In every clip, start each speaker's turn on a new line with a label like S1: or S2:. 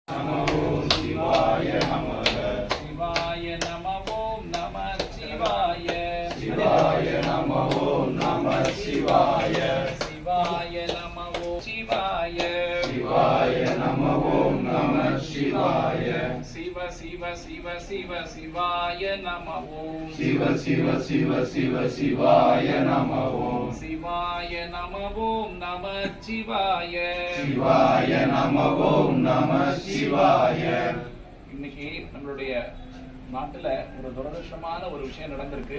S1: நம ஓம் சிவாய நமக.
S2: சிவாய நம ஓம் நம சிவாய.
S1: சிவாய நம ஓம் நம சிவாய.
S2: சிவாய நம ஓம் சிவாய.
S1: சிவாய நம ஓம் நம சிவாய.
S2: சிவ சிவ சிவ சிவ சிவாய நம ஓம்.
S1: சிவ சிவ சிவ சிவ சிவாய நம ஓம்.
S2: சிவாய நம ஓம் நம சிவாய.
S1: சிவாய நம ஓம் நம சிவாய.
S2: இன்னைக்கு நம்மளுடைய நாட்டுல ஒரு துரதிருஷ்டமான ஒரு விஷயம் நடந்திருக்கு.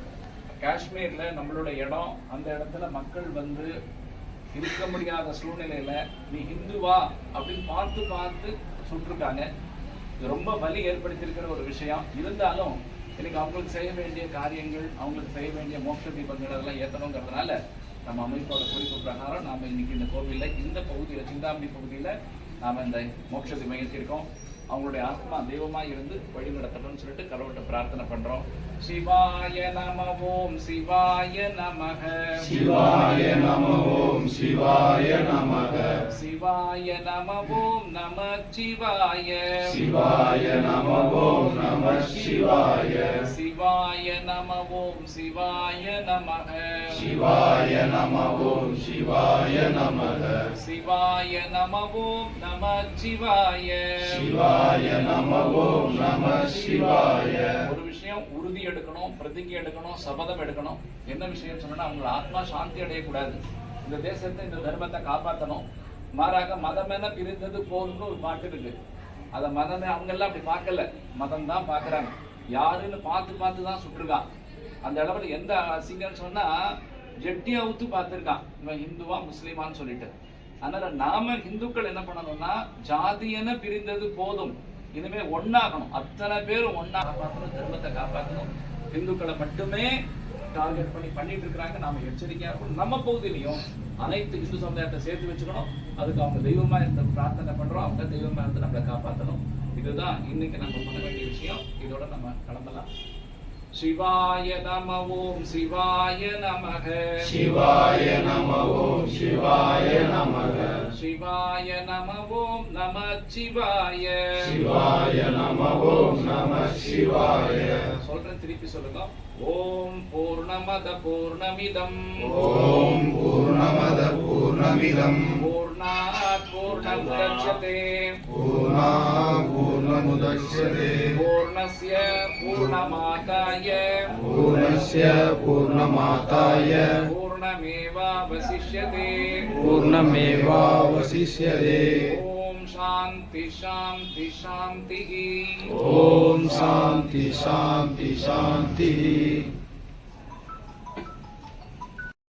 S2: காஷ்மீர்ல நம்மளுடைய இடம், அந்த இடத்துல மக்கள் வந்து இருக்க முடியாத சூழ்நிலையில நீ ஹிந்துவா அப்படின்னு பார்த்து பார்த்து சுட்டிருக்காங்க. இது ரொம்ப வலி ஏற்படுத்தியிருக்கிற ஒரு விஷயம். இருந்தாலும் இன்னைக்கு அவங்களுக்கு செய்ய வேண்டிய காரியங்கள், அவங்களுக்கு செய்ய வேண்டிய மோட்ச தீபங்கள் அதெல்லாம் ஏற்றணுங்கிறதுனால நம்ம அமைப்போட குறிப்பு பிரகாரம் நாம இன்னைக்கு இந்த கோவில்ல, இந்த பகுதியில, சிந்தாமணி பகுதியில நாம இந்த மோட்ச தீபம் ஏற்றிருக்கோம். அவங்களுடைய ஆத்மா தெய்வமா இருந்து வழி நடத்தணும்னு சொல்லிட்டு கடவுள்கிட்ட பிரார்த்தனை பண்றோம். சிவாய நம ஓம் சிவாய நமக.
S1: சிவாய நம ஓம் சிவாய நமக.
S2: சிவாய நம ஓம் நம சிவாய.
S1: சிவாய நம ஓம் நம சிவாய.
S2: சிவாய நம ஓம் சிவாய நமக.
S1: சிவாய நம ஓம் சிவாய நமக.
S2: சிவாய நம ஓம் நம சிவாய.
S1: சிவாய நம ஓம் நம சிவாய.
S2: ஒரு விஷயம் உறுதி எடுக்கணும், பிரதிஜை எடுக்கணும், சபதம் எடுக்கணும். என்ன விஷயம் சொன்னா, அவங்களோட ஆத்மா சாந்தி அடையக்கூடாது, இந்த தேசத்தை, இந்த தர்மத்தை காப்பாற்றணும். மாறாக மதமென பிரிந்தது போதும்னு ஒரு பாட்டு இருக்கு. அத மதமே அவங்க எல்லாம் அப்படி பார்க்கல, மதம் தான் பாக்குறாங்க. யாருன்னு பார்த்து பார்த்து தான் சுட்டுருக்கான். அந்த அளவுல எந்த அசிங்கன்னு சொன்னா, ஜெட்டி அவுத்து பார்த்துருக்கான் இவன் ஹிந்துவா முஸ்லிமான்னு சொல்லிட்டு. அதனால நாம ஹிந்துக்கள் என்ன பண்ணணும்னா, ஜாதியென பிரிந்தது போதும், இனிமே ஒன்னாகணும். அத்தனை பேரும் ஒன்னா காப்பாற்றணும், தர்மத்தை காப்பாற்றணும். இந்துக்களை மட்டுமே டார்கெட் பண்ணிட்டு இருக்கிறாங்க. நாம எச்சரிக்கையா இருக்கணும். நம்ம பகுதியிலையும் அனைத்து இந்து சமுதாயத்தை சேர்த்து வச்சுக்கணும். அதுக்கு அவங்க தெய்வமா இருந்து பிரார்த்தனை பண்றோம். அவங்க தெய்வமா இருந்து நம்மளை காப்பாற்றணும். இதுதான் இன்னைக்கு நம்ம பண்ண வேண்டிய விஷயம். இதோட நம்ம கிளம்பலாம். சிவாய நம ஓம் சிவாய நமக.
S1: சிவாய நம ஓம் சிவாய நமக.
S2: சிவாய நம ஓம் நம சிவாய.
S1: சிவாய நம ஓம் நம சிவாய.
S2: சொல்றேன், திருப்பி சொல்லுங்க. ஓம் பூர்ணமத பூர்ணமிதம்.
S1: ஓம் பூர்ணமத பூர்ணமிதம்.
S2: பூர்ணாத் பூர்ணமுதச்யதே.
S1: பூர்ணாத் பூர்ணமுதச்யதே.
S2: பூர்ணஸ்ய பூர்ணமாதாய.
S1: பூர்ணஸ்ய பூர்ணமாதாய.
S2: பூர்ணமேவாவசிஷ்யதே.
S1: பூர்ணமேவாவசிஷ்யதே.
S2: ஓம் சாந்தி சாந்தி சாந்தி.
S1: ஓம் சாந்தி சாந்தி சாந்தி.